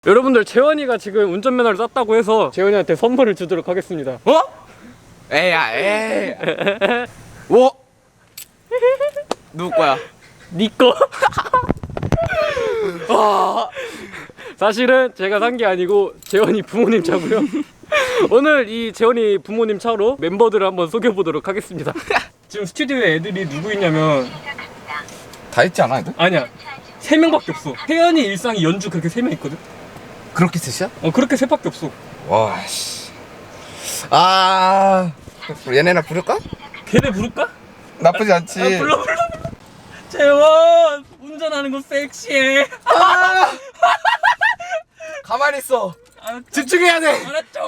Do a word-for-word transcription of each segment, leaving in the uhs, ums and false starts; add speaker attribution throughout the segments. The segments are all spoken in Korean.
Speaker 1: 여러분들 재원이가 지금 운전면허를 땄다고 해서 재원이한테 선물을 주도록 하겠습니다.
Speaker 2: 어? 에야 에이 오? 누구 거야?
Speaker 1: 니꺼. 사실은 제가 산 게 아니고 재원이 부모님 차고요. 오늘 이 재원이 부모님 차로 멤버들을 한번 소개해보도록 하겠습니다. 지금 스튜디오에 애들이 누구 있냐면
Speaker 2: 다 있지 않아 애들?
Speaker 1: 아니야, 세 명밖에 없어. 혜연이, 일상이, 연주 그렇게 세 명 있거든.
Speaker 2: 그렇게 셋이야?
Speaker 1: 어, 그렇게 셋밖에 없어.
Speaker 2: 와씨 아 얘네나 부를까?
Speaker 1: 걔네 부를까?
Speaker 2: 나쁘지 않지.
Speaker 1: 아, 불러 불러. 재원 운전하는 거 섹시해.
Speaker 2: 아! 가만히 있어.
Speaker 1: 알았죠?
Speaker 2: 집중해야 돼.
Speaker 1: 알았죠?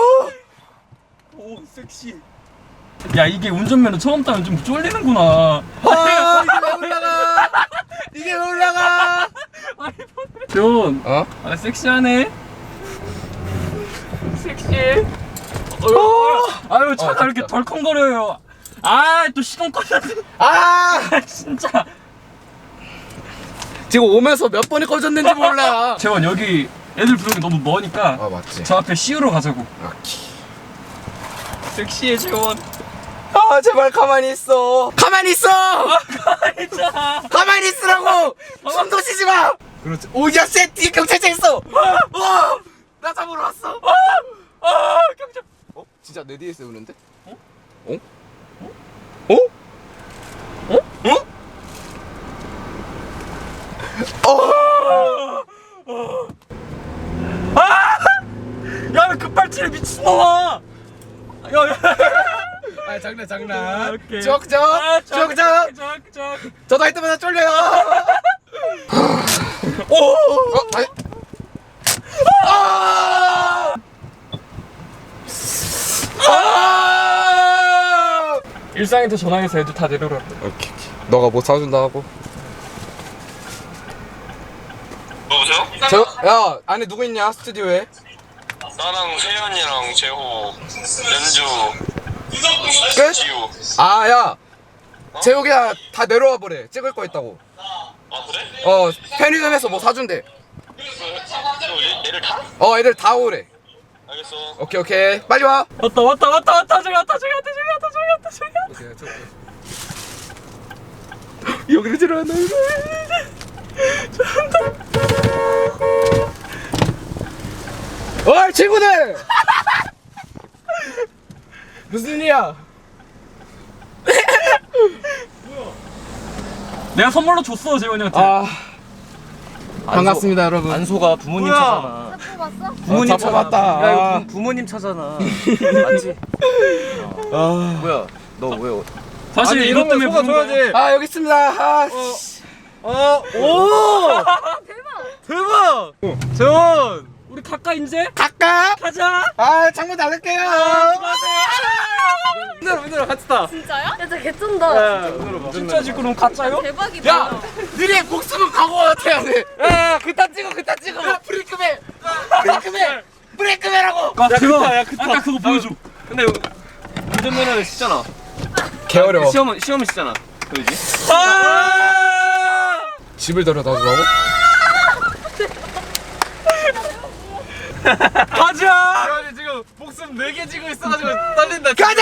Speaker 1: 오 섹시. 야, 이게 운전면허 처음 따면 좀 쫄리는구나.
Speaker 2: 아, 이게 왜 올라가? 이게 왜 올라가?
Speaker 1: 재원,
Speaker 2: 어?
Speaker 1: 아 섹시하네. 섹시해. 어휴, 아유 차가
Speaker 2: 어,
Speaker 1: 이렇게
Speaker 2: 진짜.
Speaker 1: 덜컹거려요. 아, 또 시동 꺼졌네.
Speaker 2: 아!
Speaker 1: 아, 진짜.
Speaker 2: 지금 오면서 몇 번이 꺼졌는지 몰라.
Speaker 1: 재원, 여기 애들 부르기 너무 머니까
Speaker 2: 아 맞지.
Speaker 1: 저 앞에 씨유로 가자고.
Speaker 2: 오케이.
Speaker 1: 섹시해 재원.
Speaker 2: 아 제발 가만히 있어. 가만히 있어.
Speaker 1: 가만히 있잖아.
Speaker 2: 가만히 있으라고. 숨도 쉬지 마. 그렇지. 오야 쎄 뒤에 경찰차 있어. 어! 나 잡으러 왔어.
Speaker 1: 아, 경찰.
Speaker 2: 어? 진짜 내 뒤에 세우는데?
Speaker 1: 어?
Speaker 2: 어? 어?
Speaker 1: 어?
Speaker 2: 어? 어?
Speaker 1: 아! 야, 왜 급발진해 미친놈아! 야, 야.
Speaker 2: 아 장난 장난.
Speaker 1: 오케이.
Speaker 2: 적적
Speaker 1: 아,
Speaker 2: 적적.
Speaker 1: 적, 적.
Speaker 2: 저도 할 때마다 쫄려요.
Speaker 1: 오!
Speaker 2: 어? 아니. 아! 아!
Speaker 1: 일상한테 전화해서 애들 다 내려오라.
Speaker 2: 오케이 오케이. 너가 뭐 사준다 하고.
Speaker 3: 여보세요?
Speaker 2: 저, 야 안에 누구 있냐 스튜디오에?
Speaker 3: 나랑 세연이랑 재호, 연주,
Speaker 2: 끝?
Speaker 3: 지우.
Speaker 2: 아야 재욱이야 다 내려와 보래. 찍을 거 있다고.
Speaker 3: 아 그래?
Speaker 2: 어 편의점에서 뭐 사준대.
Speaker 3: 그, 너 얘, 얘를 타?
Speaker 2: 어 애들 다 오래.
Speaker 3: 알겠어.
Speaker 2: 오케이 오케이 빨리 와.
Speaker 1: 왔다 왔다 왔다 왔다 저기 왔다 저기 왔다 저기 왔다 저기 왔다 저기 왔다.
Speaker 2: 여기를 들어왔나 이거. 어이 친구들. 무슨 일이야?
Speaker 1: 내가 선물로 줬어 재원이한테.
Speaker 2: 아 반갑습니다 여러분.
Speaker 4: 안소가 부모님
Speaker 2: 뭐야?
Speaker 4: 차잖아.
Speaker 5: 봤어?
Speaker 2: 부모님
Speaker 4: 차
Speaker 2: 잡아봤다.
Speaker 4: 야 이거
Speaker 2: 아.
Speaker 4: 부, 부모님 차잖아. 맞지?
Speaker 2: 아.
Speaker 4: 뭐야? 너 왜?
Speaker 1: 사실
Speaker 2: 아니,
Speaker 1: 이것
Speaker 2: 이러면
Speaker 1: 때문에
Speaker 2: 소가
Speaker 1: 부른 거야.
Speaker 2: 아 여기 있습니다. 아, 씨. 어, 오! 대박! 재원!
Speaker 1: 우리 가까 이제
Speaker 2: 갈까?
Speaker 1: 가자.
Speaker 2: 아, 창문 닫을게요.
Speaker 1: 문으로 문으로 같이 타.
Speaker 5: 진짜요? 야, 진짜 개쩐다.
Speaker 1: 진짜 지금 가짜요?
Speaker 5: 대박이다.
Speaker 2: 야, 너네 목숨은 각오 어떻게 해야 돼? 야, 그딴 찍어, 그딴 찍어. 브레이크맨, 브레이크맨, 브레이크맨하고.
Speaker 1: 야, 그거 아까 그거 보여줘.
Speaker 4: 근데 운전면허는 쉽잖아.
Speaker 2: 개 어려워.
Speaker 4: 시험은 시험은 쉽잖아. 그러지?
Speaker 1: 아!
Speaker 2: 집을 데려다 주라고?
Speaker 1: 가자.
Speaker 4: 재환이 지금 목숨 네 개 쥐고 있어가지고 떨린다.
Speaker 2: 가자!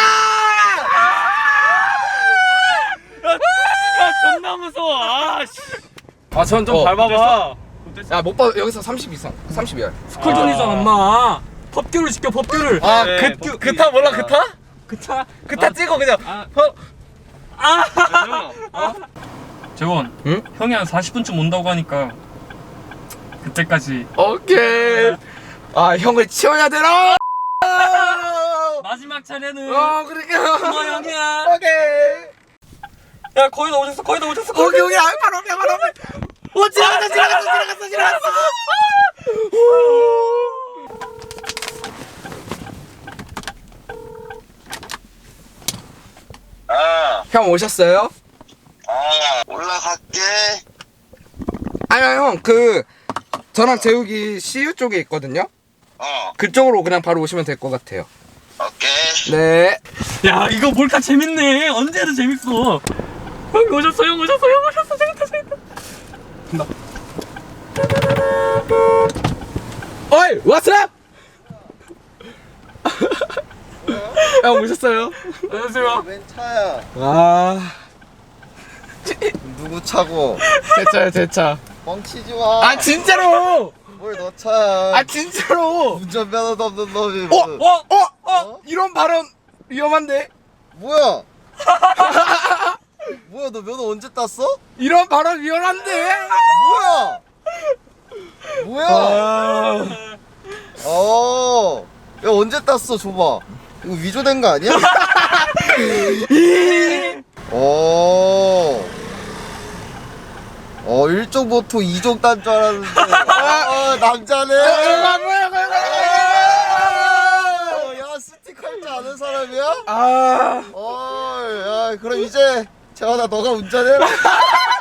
Speaker 1: 야, 존나 무서워. 아, 씨.
Speaker 4: 아, 전 좀
Speaker 2: 어,
Speaker 4: 밟아봐.
Speaker 2: 야, 못 봐. 여기서 삼십 이상. 삼십이야.
Speaker 1: 스쿨존이잖아, 엄마. 법규를 지켜, 법규를.
Speaker 2: 아,
Speaker 4: 네,
Speaker 2: 그,
Speaker 4: 법규.
Speaker 2: 그타 몰라, 그타?
Speaker 1: 그차.
Speaker 2: 그타 찍어, 그냥.
Speaker 1: 아.
Speaker 2: 어.
Speaker 1: 아. 재원.
Speaker 2: 응?
Speaker 1: 형이 한 사십 분쯤 온다고 하니까 그때까지
Speaker 2: 오케이. 아, 형을 치워야 되나?
Speaker 1: 마지막 차례는
Speaker 2: 어, 그러니까.
Speaker 1: 너 형이야.
Speaker 2: 오케이.
Speaker 1: 야, 거의 다 오셨어, 거의 다 오셨어. 거의
Speaker 2: 오케이, 오케이. 아, 바로 앞에, 바로 앞에. 오, 지나갔어, 지나갔어, 지나갔어, 지나갔어.
Speaker 3: 아,
Speaker 2: 형 오셨어요?
Speaker 3: 아, 올라갈게.
Speaker 2: 아니요, 형. 그, 저랑 재욱이 씨유 쪽에 있거든요?
Speaker 3: 어,
Speaker 2: 그쪽으로 그냥 바로 오시면 될 것 같아요.
Speaker 3: 오케이.
Speaker 2: 네.
Speaker 1: 야, 이거 몰카 재밌네. 언제 해도 재밌어. 형 오셨어, 형 오셨어, 형 오셨어. 재밌다, 재밌다.
Speaker 2: 어이 왓츠업 형 오셨어요?
Speaker 1: 안녕하세요.
Speaker 6: 웬 차야?
Speaker 2: 아
Speaker 6: 누구 차고?
Speaker 2: 제 차요 제 차.
Speaker 6: 뻥치지 마.
Speaker 2: 아 진짜로.
Speaker 6: 뭘 너 차야?
Speaker 2: 아 진짜로.
Speaker 6: 운전면허도 없는 놈이.
Speaker 2: 어?
Speaker 6: 무슨-
Speaker 2: 어? 어? 어?
Speaker 6: 어?
Speaker 2: 이런 발언 위험한데?
Speaker 6: 뭐야? 뭐야 너 면허 언제 땄어?
Speaker 2: 이런 발언 위험한데?
Speaker 6: 뭐야? 뭐야?
Speaker 2: 아...
Speaker 6: 어. 야 언제 땄어? 줘봐. 이거 위조된 거 아니야? 어. 어 일종 보통 이종 딴 줄 알았는데. 어 남자네. 야 스틱 할 줄 아는 사람이야?
Speaker 2: 아...
Speaker 6: 어, 야, 그럼 이제 재환아 너가 운전해라.